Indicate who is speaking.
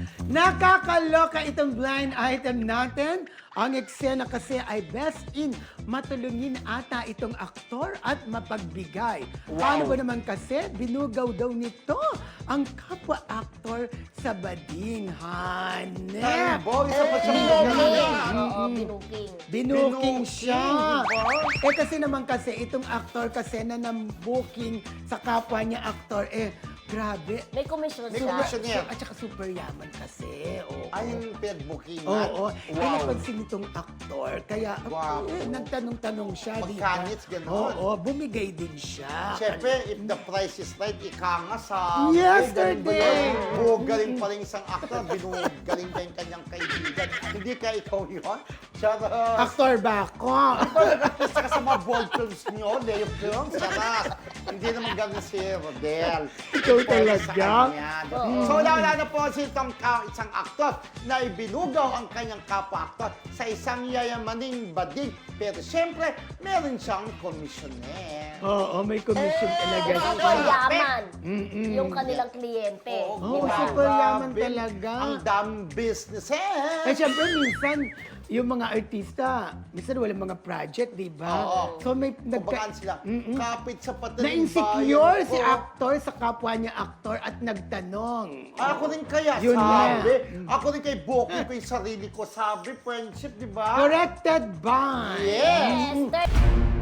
Speaker 1: Nakakaloka itong blind item natin. Ang eksena kasi ay best in matulungin ata itong aktor at mapagbigay. Paano ba naman kasi binugaw daw nito ang kapwa-aktor sa badinghan.
Speaker 2: Bo, isa pa siya
Speaker 3: Binuking.
Speaker 1: Binuking siya.
Speaker 2: diba?
Speaker 1: Kasi naman kasi, itong aktor kasi na nang-booking sa kapwa niya aktor, grabe.
Speaker 3: May komisyon
Speaker 2: May
Speaker 3: siya.
Speaker 2: komisyon niya.
Speaker 1: At saka super yaman kasi. Oo.
Speaker 2: Ay, yung pinag-bookingan.
Speaker 1: Oo.
Speaker 2: Wow.
Speaker 1: Napansin itong aktor. Kaya,
Speaker 2: Wow.
Speaker 1: nagtanong-tanong siya.
Speaker 2: Magkanits, gano'n.
Speaker 1: Oo, bumigay din siya.
Speaker 2: Siyempre, if the price is right, ika nga sa...
Speaker 1: Yesterday!
Speaker 2: Bugaling pa rin isang actor, binugaling pa yung kanyang kaibigan. Hindi ka ikaw yun? Charot!
Speaker 1: Aktor ba ako?
Speaker 2: Nag-artista ka sa mga bold films niyo, Leo Films, sarap. Hindi naman ganun si Rodel.
Speaker 1: Ikaw talaga?
Speaker 2: Sa kanya. So, wala na po si itong isang aktor na ibinugaw ang kanyang kapwa-aktor sa isang yayamaning bading. Pero siyempre, meron siyang komisyoner.
Speaker 1: Oo, may commission talaga siya.
Speaker 3: Super yaman.
Speaker 1: Mm-mm.
Speaker 3: Yung kanilang kliyente.
Speaker 1: Oo,
Speaker 3: Diba?
Speaker 1: super yaman
Speaker 2: Grabe.
Speaker 1: talaga.
Speaker 2: Ang daming businesses.
Speaker 1: Eh, syempre, minsan, yung mga artista, minsan walang mga project, di ba?
Speaker 2: Oo.
Speaker 1: So, may
Speaker 2: Kumbagaan sila, kapit sa patalim
Speaker 1: na-insecure
Speaker 2: bayan
Speaker 1: si
Speaker 2: ko.
Speaker 1: actor sa kapwa niya aktor at nagtanong.
Speaker 2: Ako rin kaya,
Speaker 1: Yun
Speaker 2: sabi.
Speaker 1: nga.
Speaker 2: Ako rin kay Boki ko yung sarili ko, sabi, friendship, di ba?
Speaker 1: Corrected by...
Speaker 2: Yes.
Speaker 3: Yes.